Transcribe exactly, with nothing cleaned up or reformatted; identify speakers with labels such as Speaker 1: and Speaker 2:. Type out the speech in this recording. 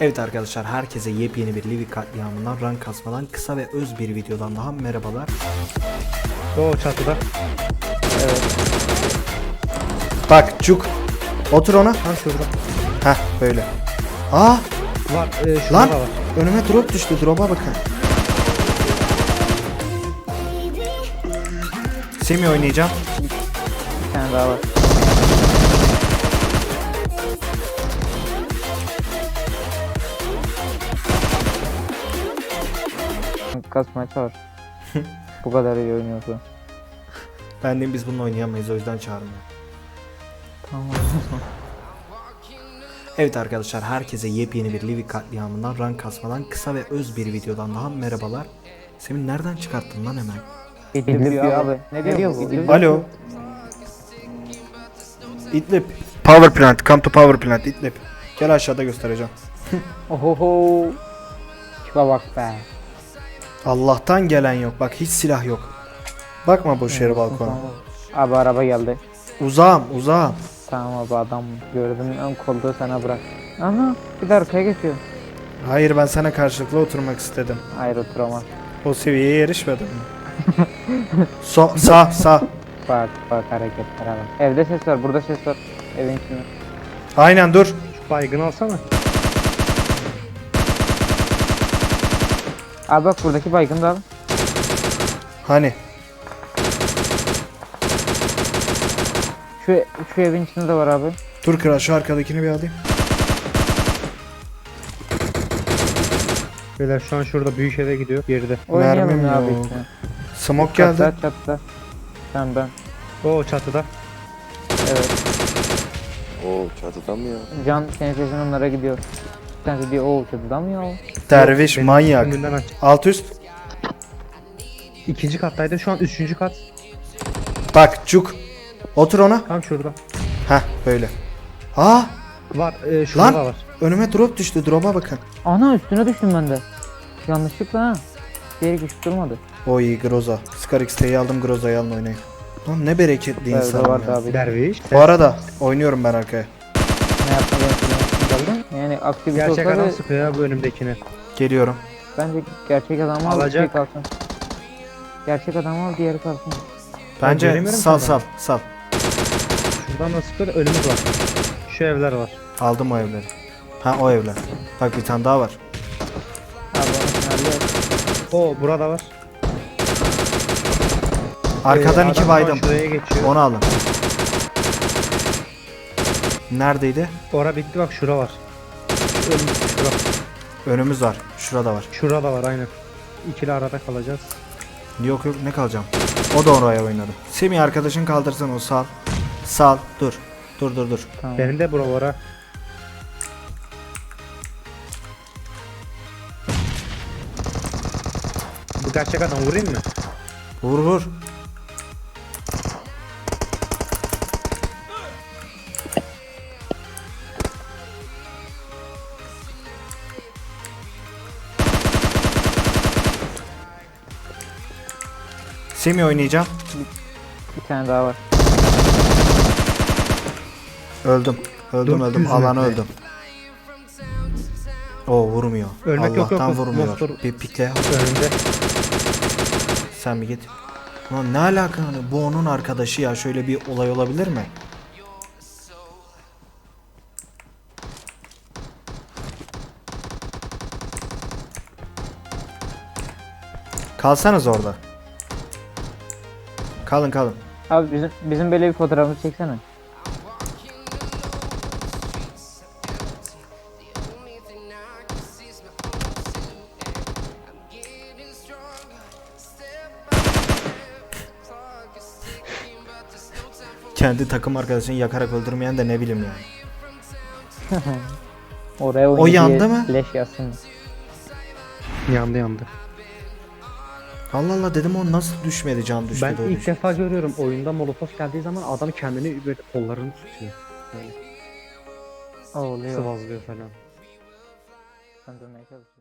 Speaker 1: Evet arkadaşlar, herkese yepyeni bir Livik katliamından, rank kasmadan, kısa ve öz bir videodan daha merhabalar.
Speaker 2: O çatıda.
Speaker 1: Evet. Bak Cuk, otur ona.
Speaker 2: Ha şurada.
Speaker 1: Heh böyle. Aa
Speaker 2: Var. E, şurada
Speaker 1: lan
Speaker 2: var.
Speaker 1: önüme drop düştü, drop'a bakın. Semi oynayacağım.
Speaker 3: Bir tane daha var. Kasmaya çağır. Bu kadar iyi oynuyorsa.
Speaker 1: Ben de biz bununla oynayamayız, o yüzden çağırmıyor.
Speaker 3: Tamam.
Speaker 1: Evet arkadaşlar, herkese yepyeni bir Livik katliamından, rank kasmadan, kısa ve öz bir videodan daha merhabalar. Semi nereden çıkarttın lan hemen?
Speaker 3: İdlib diyor abi. Ne diyor bu? İdlib.
Speaker 1: Alo. İdlib. Power plant. Come to power plant. İdlib. Gel aşağıda göstereceğim.
Speaker 3: Ohoho. Şuna bak be.
Speaker 1: Allah'tan gelen yok. Bak hiç silah yok. Bakma boş yere balkona.
Speaker 3: Abi araba geldi.
Speaker 1: Uzağım uzağım.
Speaker 3: Tamam abi, adam gördüm, ön koltuğu sana bırak. Aha, bir de arkaya geçiyor.
Speaker 1: Hayır, ben sana karşılıklı oturmak istedim.
Speaker 3: Hayır, oturamaz.
Speaker 1: O seviyeye erişmedim. so sağ sağ.
Speaker 3: Bak bak hareketlere bak. Evde ses var, burada ses var. Evin içinde.
Speaker 1: Aynen dur.
Speaker 2: Şu baygını alsana.
Speaker 3: Abi bak, buradaki baygın da al.
Speaker 1: Hani?
Speaker 3: Şu, şu evin içinde de var abi.
Speaker 1: Dur kral, şu arkadakini bir alayım.
Speaker 2: Beyler şu an şurada büyük eve gidiyor. Geride.
Speaker 3: Oynayalım
Speaker 1: Mermim
Speaker 3: ya abi
Speaker 1: yok.
Speaker 3: işte.
Speaker 1: Smoke geldi.
Speaker 3: Çatıda çatıda. Sen ben.
Speaker 2: O çatıda.
Speaker 3: Evet.
Speaker 4: Oo çatıdan mı ya?
Speaker 3: Can senin sesin onlara gidiyor. Bir tanesi diyor o çatıda mı ya?
Speaker 1: Derviş
Speaker 2: Benim
Speaker 1: manyak.
Speaker 2: önümden aç.
Speaker 1: Alt üst.
Speaker 2: İkinci kattaydı, şu an üçüncü kat.
Speaker 1: Bak Cuk. Otur ona.
Speaker 2: Tam şurada.
Speaker 1: Heh böyle. Aa
Speaker 2: Var. E, şurada
Speaker 1: lan
Speaker 2: var.
Speaker 1: önüme drop düştü. Drop'a bakın.
Speaker 3: Ana, üstüne düştüm ben de. Yanlışlıkla ha. Diğeri güç durmadı.
Speaker 1: O iyi Groza. Scar X T'yi aldım, Groza'yı alın oynayın. Lan ne bereketli
Speaker 3: Evde
Speaker 1: insan
Speaker 3: vardı
Speaker 1: ya.
Speaker 3: abi.
Speaker 2: Derviş.
Speaker 1: Bu arada oynuyorum ben arkaya.
Speaker 3: Ne yapmayı geldin? Yani aktivite
Speaker 2: Gerçek
Speaker 3: olsa
Speaker 2: adam
Speaker 3: da
Speaker 2: sıkıyor ya bu önümdekine.
Speaker 1: Geliyorum.
Speaker 3: bence gerçek adamı al,
Speaker 2: Alacak.
Speaker 3: şey kalsın. Gerçek adamı al, diğeri kalsın.
Speaker 1: Bence
Speaker 2: göremiyorum
Speaker 1: sal
Speaker 2: ki
Speaker 1: sal sal.
Speaker 2: Şuradan da sıkıyor, önümüz var. Şu evler var.
Speaker 1: Aldım o evleri. Ha o evler. Bak bir tane daha var.
Speaker 3: Abi onu finalde
Speaker 2: O burada var.
Speaker 1: Arkadan
Speaker 2: Ee,
Speaker 1: iki
Speaker 2: adam
Speaker 1: baydım.
Speaker 2: Şuraya geçiyor.
Speaker 1: Onu alın. Neredeydi?
Speaker 2: Ora bitti, bak şura var. Önümüz şura.
Speaker 1: Önümüz var. Şurada var.
Speaker 2: Şurada var aynen. İkili arada kalacağız.
Speaker 1: Yok yok, ne kalacağım. O da oraya oynadı. Semih arkadaşın kaldırsın, o sal. Sal. Dur. Dur dur dur.
Speaker 3: tamam.
Speaker 2: Benim de bura var ha. Bu gerçek adam, vurayım mı?
Speaker 1: Vur vur. Semih oynayacağım.
Speaker 3: Bir tane daha var.
Speaker 1: Öldüm. Öldüm
Speaker 2: dört
Speaker 1: öldüm.
Speaker 2: yüz
Speaker 1: Alanı
Speaker 2: metre.
Speaker 1: öldüm. O vurmuyor.
Speaker 2: Ölmek yok,
Speaker 1: Allah'tan
Speaker 2: yok, yok.
Speaker 1: vurmuyor.
Speaker 2: Monster.
Speaker 1: Bir pikle.
Speaker 2: Önümde.
Speaker 1: Sen bir git. Ulan ne alaka hani, bu onun arkadaşı ya, şöyle bir olay olabilir mi? Kalsanız orada. Kalın kalın.
Speaker 3: Abi bizim bizim böyle bir fotoğrafımızı çeksene.
Speaker 1: Kendi takım arkadaşını yakarak öldürmeyen de ne bileyim yani.
Speaker 3: Oraya
Speaker 1: O
Speaker 3: oyuncu
Speaker 1: yandı
Speaker 3: diye
Speaker 1: mı?
Speaker 3: Leş yazsın.
Speaker 2: Yandı yandı.
Speaker 1: Allah Allah dedim, o nasıl düşmedi, can düştü.
Speaker 2: Ben
Speaker 1: de o
Speaker 2: ilk
Speaker 1: düştü.
Speaker 2: defa görüyorum oyunda molotof geldiği zaman adam kendini böyle kollarını tutuyor. Böyle
Speaker 3: Oluyor.
Speaker 2: sıvazlıyor falan.
Speaker 3: Sen dönmeye çalış.